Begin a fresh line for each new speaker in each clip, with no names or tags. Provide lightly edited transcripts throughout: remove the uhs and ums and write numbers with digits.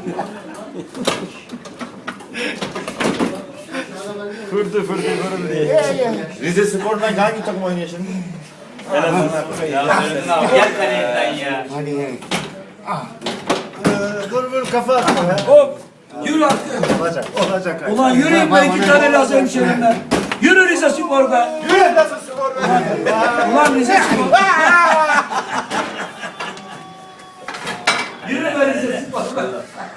Fırdı diye. Rize Spor'dan hangi takım oynuyor şimdi?
Gel kalenden ya.
Vur kafa atma ya.
Hop. Yürü artık.
Olacak.
Ulan yürüyün be, 2 tane Laz hemşerimden. Yürü Rize Spor be.
Yürü Rize Spor be.
Ulan Rize Spor. Yürü be Rize Spor be.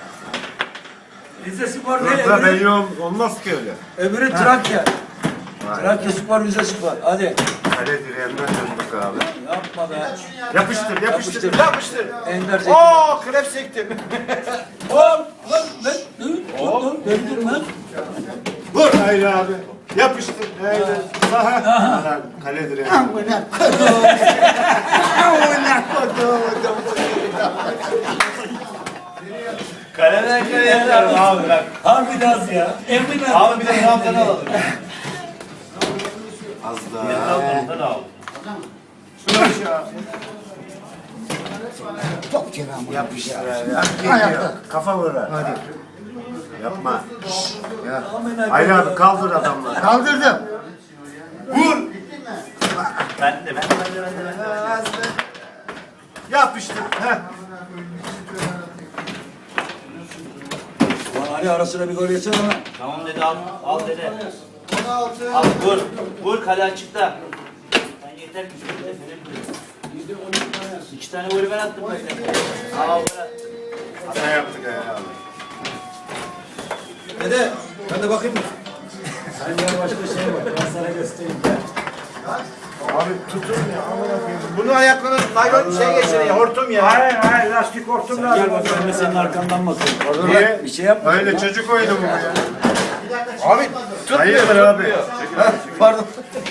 Rize Spor ne?
Burada belli olmaz ki öyle.
Öbürü Trakya. Trakya Spor, Rize Spor. Hadi.
Kale direğinden döndük abi.
Yapma be.
Yapıştır.
Ender çekti.
Ooo krep sektim.
Hop. Lan. Döndür lan.
Vur hayır abi. Yapıştır. Haydi. Saha. Kale direği.
Kaleden kaleye atarım abi bak.
Harbi Laz ya. Emin
Abi bir de Trabzon'u alalım.
Az daha.
Trabzon'dan al.
Top kiramı.
Yapıştır. Kafa vur. Hadi. Yapma. Hayır abi kaldır adamları.
Kaldırdım.
Vur.
Ben de.
Yapıştır. Heh.
Ulan Ali arasına bir gol yesene lan.
Tamam dedi al dede. Al vur kale açıkta. Ben yeter ki şöyle de verebilirim. 2 tane golü ben attım böyle. Al bırak.
Hata yaptık ya abi.
Dede ben de bakayım mı? Sen ya başka şey var. Ben sana göstereyim.
Abi tutun ya.
Bunu ayaklarına naylon şey geçiriyor, hortum ya.
Hayır lastik hortum lazım.
Gel bak, ben de senin arkandan bakıyorum.
Niye?
Bir şey yapma.
Öyle çocuk oyunu mu bu ya?
Abi
Hayırdır abi?
pardon.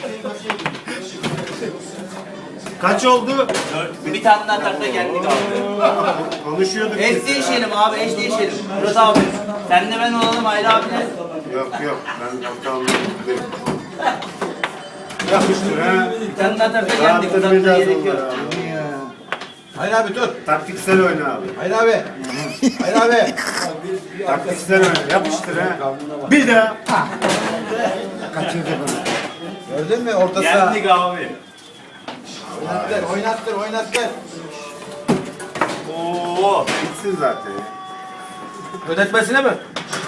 Kaç oldu?
Bir tane daha takla geldik abi.
Konuşuyorduk.
Eş
biz.
değişelim abi eş değişelim. Murat abi. Senle ben olalım Ayrı abiyle.
Yok ben ortalığım değilim. Yapıştır ha.
Bir tane daha takla geldik. Uzatmaya
Rahatlatmayacağız
gerek yok.
onları abi.
Hayır abi tut.
Taktiksel oyna abi.
Hayır abi. Hayır abi.
Taktiksel oyna. Yapıştır ha. Bir daha.
Kaçırdı bunu.
Gördün mü orta saha?
Geldik abi.
Oynattır.
Oo.
Bitsin zaten ya.
Ödetmesine mi?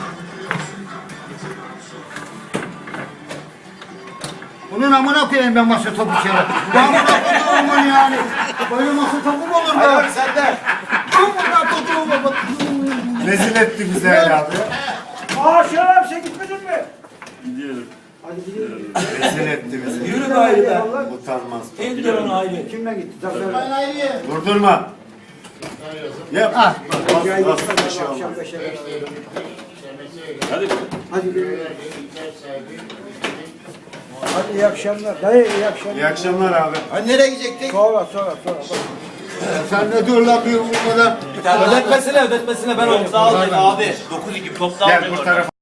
Bunun amına koyayım ben masa topu kere. Amına koyayım yani. Böyle masa topu mu olur
Hayır
be?
abi sen de.
Amına koyayım bak.
Rezil etti bizi öyle abi.
Aa Şeref sen gitmedin mi?
Rezil etti bizi.
Yürü be Ayrı be.
Utanmaz.
İndir onu Ayrı.
Kimle gitti?
Durdurma. Yap.
Ah.
Bas bir şey olmaz.
Hadi iyi akşamlar. Dayı iyi akşamlar.
İyi akşamlar abi.
Hani nereye gidecektik?
Sonra. Sen ne dur lan bir umurmadan.
Ödetmesine ben oynayayım. Top da al dedi abi. 9-2 top da al
Gel
dedi
bu
orada.
tarafa.